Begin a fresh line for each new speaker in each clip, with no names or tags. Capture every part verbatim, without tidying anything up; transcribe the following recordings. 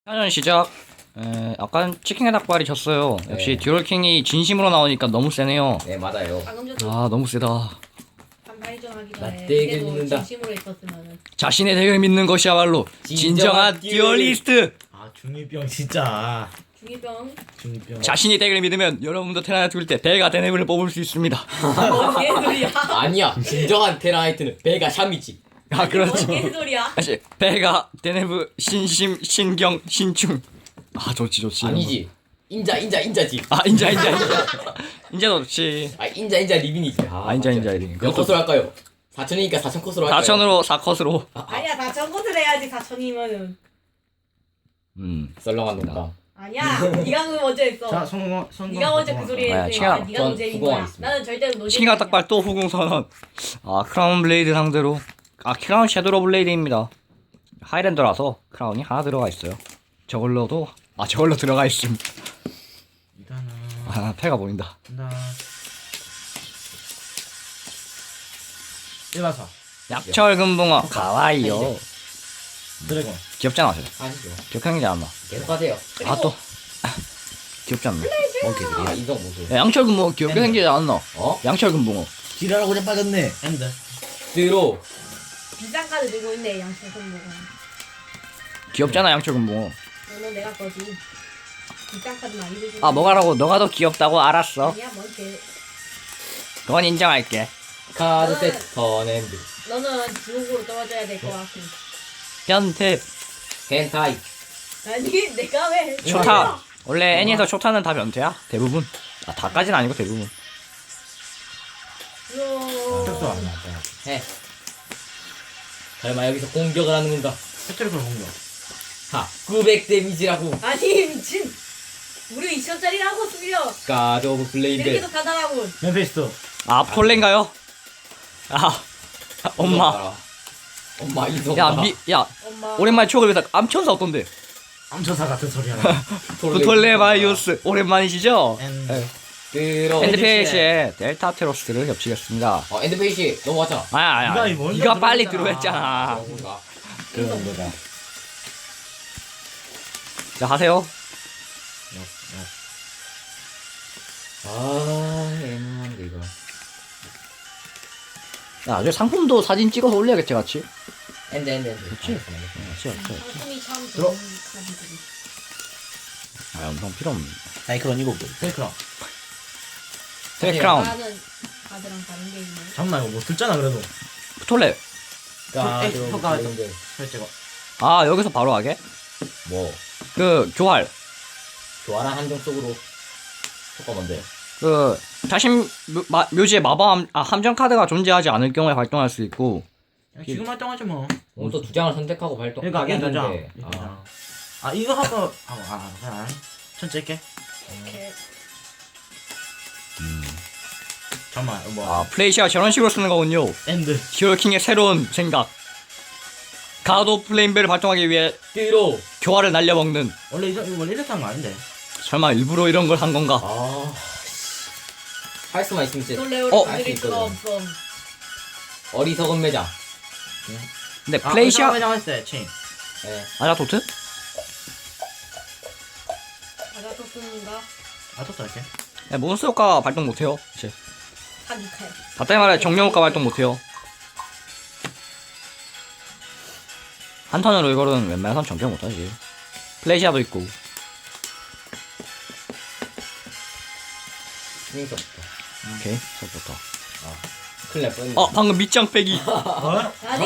사전 시작. 에, 아까 치킨의 닭발이 졌어요. 역시
네.
듀얼킹이 진심으로 나오니까 너무 세네요.
네 맞아요.
방금 전에
아 너무 세다.
반발전 하기
나
전에
되게
그때도
믿는다.
진심으로 있었으면은
자신의 덱을 믿는 것이야말로 진정한
진정한
듀얼리스트.
아 중이병 진짜
중이병
중이병
자신이 덱을 믿으면 여러분도 테라나 둘 때 배가 데네블을 뽑을 수 있습니다.
뭔 개소리야?
아니야. 진정한 테라하이트는 배가 샴이지.
아 그렇죠.
뭔 개소리야?
다시 배가 데네브 신심 신경 신충. 아 좋지 좋지.
아니지. 인자 인자 인자지.
아 인자 인자 인자. 인자도 좋지.
아 인자 인자 리빈이지. 아,
아 인자 인자 이리.
몇 컷으로 할까요? 사천이니까 사천 컷으로 할까요?
사천으로 사 컷으로.
아니야 다 전것을 해야지 사천이면은
음.
썰렁한 농담.
아니야 네가 그 먼저 했어.
자 성공 성공
네가 먼저 그 소리
아,
했으니까
치킨-
네가
전
노잼인 거야.
후공하겠습니다.
나는 절대로 노잼이
치킨과 닭발 또 후궁 선언. 아 크라운 블레이드 상대로. 아 크라운 섀도우 블레이드입니다. 하이랜더라서 크라운이 하나 들어가 있어요. 저걸로도 아 저걸로 들어가 있음.
일단은
아 패가 보인다.
한다 일반사
약철 금붕어 가와이요.
드래곤
귀엽잖아 저.
아니죠.
기억하는지 않나?
계속 하세요.
아 또 귀엽지 않나?
뭔 개들이야? 아 인성 모습.
야, 양철 금붕어 귀엽게
네.
생기지 않나?
어?
양철 금붕어.
지랄하고 그냥 빠졌네 엔드
드로.
비싼 카드 들고 있네 양심 손목은.
귀엽잖아 양철 금붕어.
너는 내가 거지. 비싼 카드 많이 들고.
아 뭐가라고? 너가 더 귀엽다고 알았어.
아니야 뭔 개.
그건 인정할게.
카드 세트 턴앤드.
너는 지옥으로 떨어져야 될 것 같고.
변태.
헨타이.
아니 내가 왜?
초타. 원래 애니에서 초타는 다 변태야? 대부분. 아 다까진 아니고 대부분.
격도 안 나왔다
해. 설마 여기서 공격을 하는 건가?
패트리컬 공격
하. 구백 데미지라고.
아니 미친. 우리 이천짜리라고 쓸려.
가드 오브 블레이드.
이렇게도 가다라고.
멤피스토
아 폴렌가요? 아 엄마.
엄마 이성.
야 미 야
엄마.
오랜만에 추억을 위해서 암천사 어떤데?
암천사 같은 소리 하나
부톨레마이오스 오랜만이시죠?
엔
네.
드로.
엔드페이시에 델타 테로스를 겹치겠습니다.
어 엔드페이시 넘어갔잖아.
아야 아야.
네가
아야.
먼저
네가 빨리
들어갔잖아.
들어했잖아.
그런가?
그 정도다
자 하세요.
아 애매한데 이거.
야 나중에 상품도 사진 찍어서 올려야겠지 같이.
엔드 엔드 엔드.
그치?
알겠어, 알겠어.
그렇지 그렇지.
상품이 참
들어.
좋은 카드들이.
아 엄청 필요 없네.
사이클론 이거 페이크랑
트랙크라운
나는 카드랑 다른 게 있네.
잠깐만 이거 뭐 듣잖아 그래도
부톨레.
가드
에이,
오브
효과
블레이드.
설정어
아 여기서 바로 하게?
뭐
그 교활.
교환한 한정 속으로. 효과 뭔데?
그 자신 묘, 마, 묘지에 마법 함, 아, 함정 카드가 존재하지 않을 경우에 발동할 수 있고.
지금 활동하지 뭐
오늘 또 두 장을 선택하고 발동.
그러니까
하긴
이거 장
하는데. 아,
아 이거 하고 하고 아 그냥 천천히 할게
이렇게.
잠깐만 뭐
아 플레이시아 저런 식으로 쓰는 거군요.
엔드
히어로킹의 새로운 생각. 가드 오브 플레임벨을 발동하기 위해
드로.
교활을 날려먹는.
원래 이거 원래 이렇게 한 거 아닌데
설마 일부러 이런 걸 한 건가?
아. 할 수만 있으면 진짜
놀래오를
어?
건드릴 수가 없어.
어리석은 매장.
근데
아
플레이시아
회장 했을 때 체인
예.
아자토트?
아자토스인가?
아 떴다 이렇게
네, 몬스터 효과 발동 못해요. 이제
타기칼.
다때 말해 정령 효과 발동 못해요. 한 턴으로 이거는 웬만해선 정령 못하지. 플레이시아도 있고.
스윙서부터.
오케이 서부터.
큰일 날 뻔했네.
어 방금 밑장 빼기.
어?
아니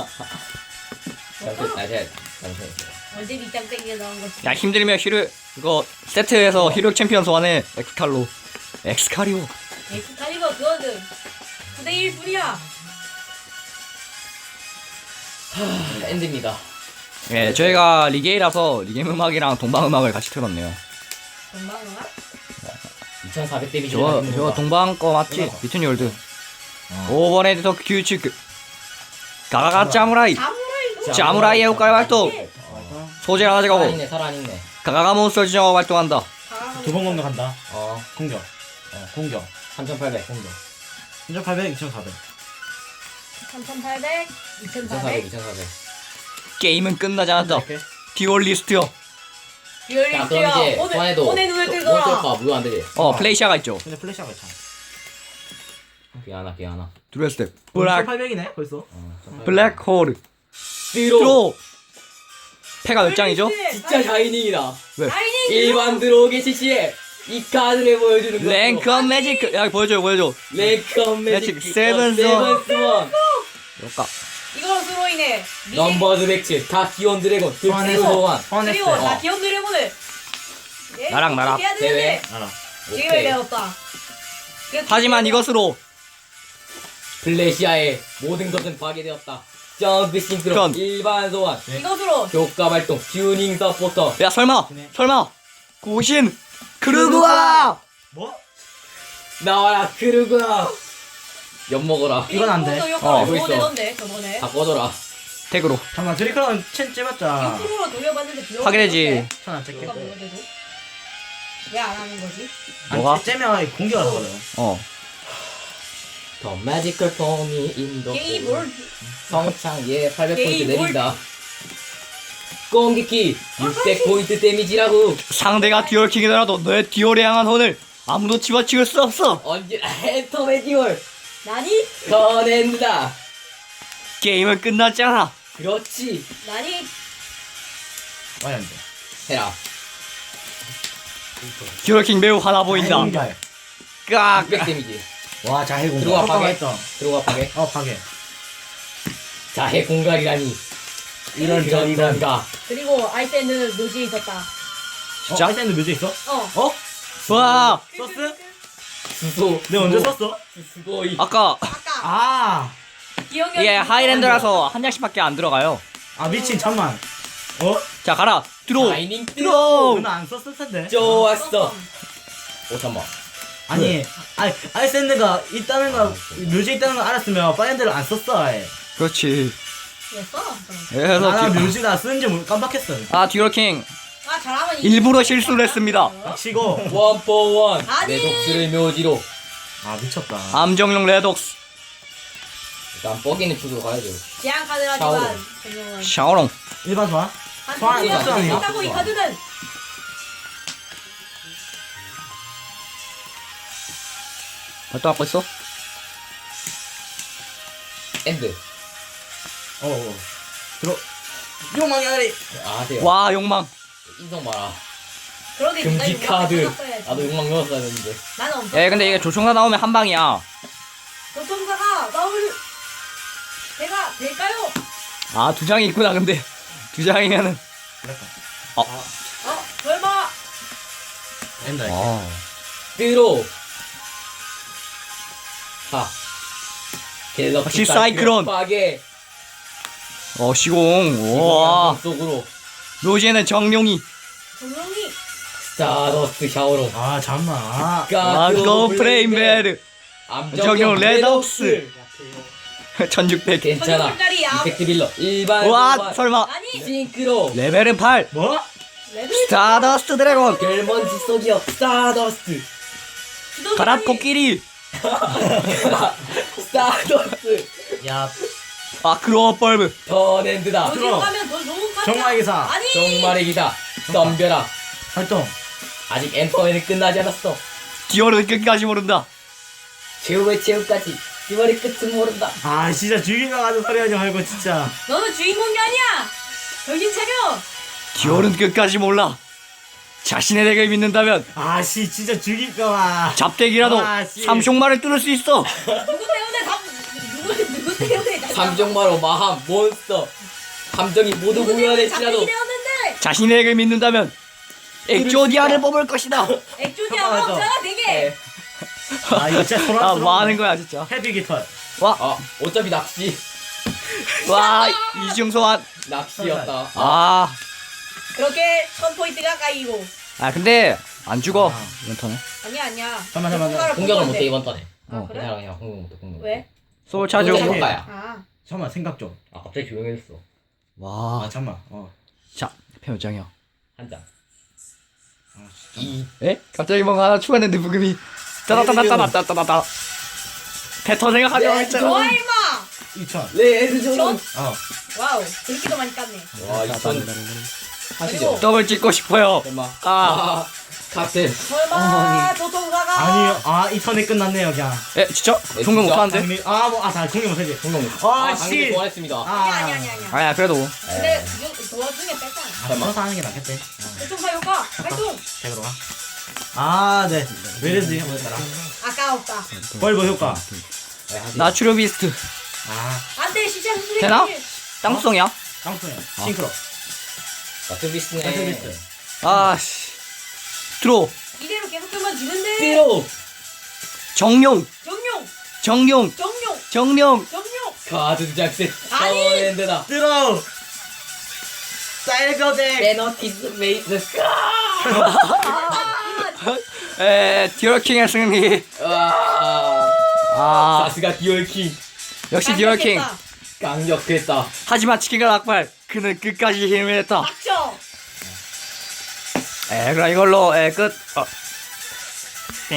잠시, 아, 제가, 잠시만요.
언제 밑장 땡겨 나온 거지?
야 힘들면 히로 이거 세트에서 히로 챔피언 소환해. 엑스칼로. 엑스칼이오.
엑스칼리버 그거는 구 대 일 뿐이야.
엔드입니다.
예 저희가 리게이라서 리게임 음악이랑 동방 음악을 같이 틀었네요.
건방아?
이천사백 데미지.
저거 저거 동방 거 맞지? 비트니 월드. 오버레드 더 규칙. 가가가 짜무라이.
사무라이도.
자무라이의 효과를 발동. 소재를 하나 가고
살아있네, 살아있네.
가가가 몬스터 지정화 발동한다.
두 번 공격한다
어,
공격 어 공격
삼천팔백. 공격.
이천팔백 이천사백
삼천팔백,
이천사백,
이천사백.
이천사백.
게임은 끝나지 않았다.
이렇게
듀얼리스트요.
듀얼
자 그럼
일주야.
이제
오늘
소환해도
오늘 눈을
뭐
뜨거라.
쓸까? 무효 안 되지?
어 플레이시아가 있죠.
근데 플래시가 있잖아.
그게 하나 그게 하나
드레 스텝 블랙
팔백이네 벌써.
어,
블랙홀
드로
드로 패가 몇 장이죠?
진짜 샤이닝이다
왜?
아이니
일반 들어오기 시시에 이 카드를 보여주는 거
랭크 매직 야 보여줘 보여줘.
랭크 매직
매직 세븐스 원.
세븐스원
여까
이걸로 스로이네.
넘버즈 백칠 다 기온 드래곤 득스 소환
헌했어.
그리고 나
어.
기억 드래곤을. 예,
나랑 나랑.
해야
대회.
되는데
알아.
지금을
오케이
배웠다. 그래서
하지만
지금은
이것으로
플래시아의 모든 것은 파괴되었다 점프 싱크로
그럼.
일반 소환
이것으로
효과 발동 튜닝 서포터
야 설마
그네.
설마 고신 크루그와
뭐?
나와라 크루그나 엿먹어라
이건 안 돼.
효과
어.
알고 있어.
내던데 저번에.
다 꺼져라
덱으로
잠깐만 드리클은 첸 째봤자.
육 프로로 돌려봤는데 비용
파괴되지.
천안 째게.
효과 물려대도 왜안 하는 거지?
뭐가?
아니, 째면 공격을 하거든.
어
더 매지컬 폼이 인도
게이 뭘?
성창 예 팔백 포인트
게이 뭘?
내린다攻撃육백 포인트 데미지라고
상대가 듀얼킹이더라도 너의 듀얼에 향한 혼을 아무도 집어치울 수 없어.
언제나 엔터메 듀얼
나니?
터낸다
게임은 끝났잖아.
그렇지
나니?
많이 안 돼.
해라
듀얼킹 매우 화나 보인다.
공격.
깍.
육백 데미지
와 자해 공격.
들어와,
효과가
파괴.
있다.
들어가 파괴
어 파괴.
자해 공갈이라니
이런 저 이런.
그런가
그리고 아이샌드는 묘지에 있었다.
진짜? 어, 아이샌드 묘지 있어?
어.
어?
와
썼어?
수소
내가 언제 썼어?
수소이
아까
아까
아.
기억력이
이게 하이랜드라서 한 장씩밖에 안 들어가요.
아 미친 잠만. 어?
자 가라 들어
라이닝
들어.
누나 안 썼을 텐데.
좋았어 오 잠만
아니, 아니 아이샌드가 있다는 거 묘지 있다는 거 알았으면 파이언드를 안 썼어. 아예.
그렇지.
왜 써?
그래서
나는
듀-
묘지가 쓰는지 몰- 깜빡했어.
아 듀얼킹
아 잘하면 이기지.
일부러 실수를 했습니다.
치고.
원포원
아니.
내 독수를 묘지로
아 미쳤다.
암정용 레독스
일단 뻐기는 축으로 가야죠
제한 카드라지만
샤오롱.
분명은
샤오롱.
일반 소환?
한
소환
번이나
소환 아니야?
했다고 이 카드는
발동하고 있어?
엔드
어. 어. 들어. 욕망이 아니.
아 하세요
와 욕망.
인성 봐라
그러니 네가
금지
이거
카드
써놨어야지.
나도 욕망 넣었어야 했는데
나는 없어.
예 근데 이게 조총사 나오면 한 방이야.
교통사가 나올 제가 될까요?
아 두 장이 있구나 근데 두 장이면은.
어 설마
된다. 이게.
아
드로 하 갤럭시
역시 사이클론.
파괴
어 시공. 와
속으로
묘지에는 정룡이.
조용히
스타더스트 샤오롱
아 잠만. 아.
와고 프레임베르.
암정용 레독스
천육백.
괜찮아
천육백짜리 암.
이펙트 빌러 일반
와
소환.
설마
아니
싱크로
레벨은 팔.
뭐?
레드
스타더스트 드래곤.
겔먼지 속이요 스타더스트
가라 코끼리.
스타더스트
야.
아크로어 벌브.
더랜드다
어디로
들어.
가면 더 좋은 카드
정말 기사.
아니
정말의 기다 덤벼라
활동.
아직 엔터에는 끝나지 않았어
듀얼은 끝까지 모른다.
최후의 최후까지 이번의 끝은 모른다
아 진짜 죽이가 가는 소리 하지 말고 진짜.
너는 주인공이 아니야 정신 차려
듀얼은 끝까지 몰라. 자신의 덱을 믿는다면
아씨 진짜 죽일까봐.
잡덱이라도
아, 씨.
삼숑마를 뚫을 수 있어.
누구 때문에 다 누구 누구 때문에 다-
삼종마로 마함 몬스터 감정이 모두
누구 때문에
무효할지라도
잡히게 되었는데
자신의 덱을 믿는다면 엑조디아를 뽑을 것이다.
액조디아
잠깐만,
없잖아 되게
네.
아 이거 진짜 소란스러워.
아 뭐 하는 거야 진짜.
헤비 깃털.
와,
아 어차피 낚시
와 이중소환.
낚시였다
아,
그렇게 천 포인트가 까이고
아 근데 안 죽어
아.
이번 턴에.
아니야 아니야
잠깐만, 잠깐만.
누군가를
공격을
볼
못해
건데.
이번 턴에
아
어,
그래?
괜찮아 그냥 공격 못해 공격 못해.
왜?
소울 차죠.
공격
오케이.
효과야
아
잠깐만 생각 좀.
아 갑자기 조용해졌어
아
와,
잠만. 어.
자 몇 장이야?
한장
아, 진짜.
이
에? 갑자기 뭔가 하나 추가했는데 부금이 따다따다따다따다따다. 패턴 생각하지
네,
말자.
좋아 임마
이천.
레드 존
어.
와우 그렇게도 많이 깠네
와 이천 하시죠.
더블 찍고 싶어요.
설마.
아.
아, 칵테일.
설마 조통사가
아니요. 아, 이 턴에 끝났네요, 그냥.
에 진짜?
네,
종료
진짜?
못하는데?
장미, 아, 뭐, 아, 다 종료 못하지.
성공.
아,
아, 장미
씨.
소환했습니다.
아,
아니 아니 아니 아니.
아야 그래도
근데 그 도와중에 뺐잖아.
아, 풀어서 하는 게 낫겠지.
조통사 효과 활동.
백으로 가. 아, 네. 왜 이랬지? 한번 해봐라.
아까웠다.
벌버 효과.
네, 하시죠.
나추료 비스트
아,
안돼 시체 수술이.
되나? 땅수성이야?
땅콩이야.
아.
싱크로.
나트비스네.
나트비스.
아씨 들어
이대로 계속 되면 지는데.
띠로.
정룡
정룡
정룡
정룡
정룡
정룡.
카드 작색.
아니!
랜드다.
들어! 사이드 덱!
베너티스 메이스.
에 디얼킹의 승리.
아,
아
사스가 디올킹.
역시 디얼킹.
강력했다.
하지만 치킨과 낙발 그는 끝까지 힘을 냈다.
닥쳐.
에 그럼 이걸로 에 끝. 어.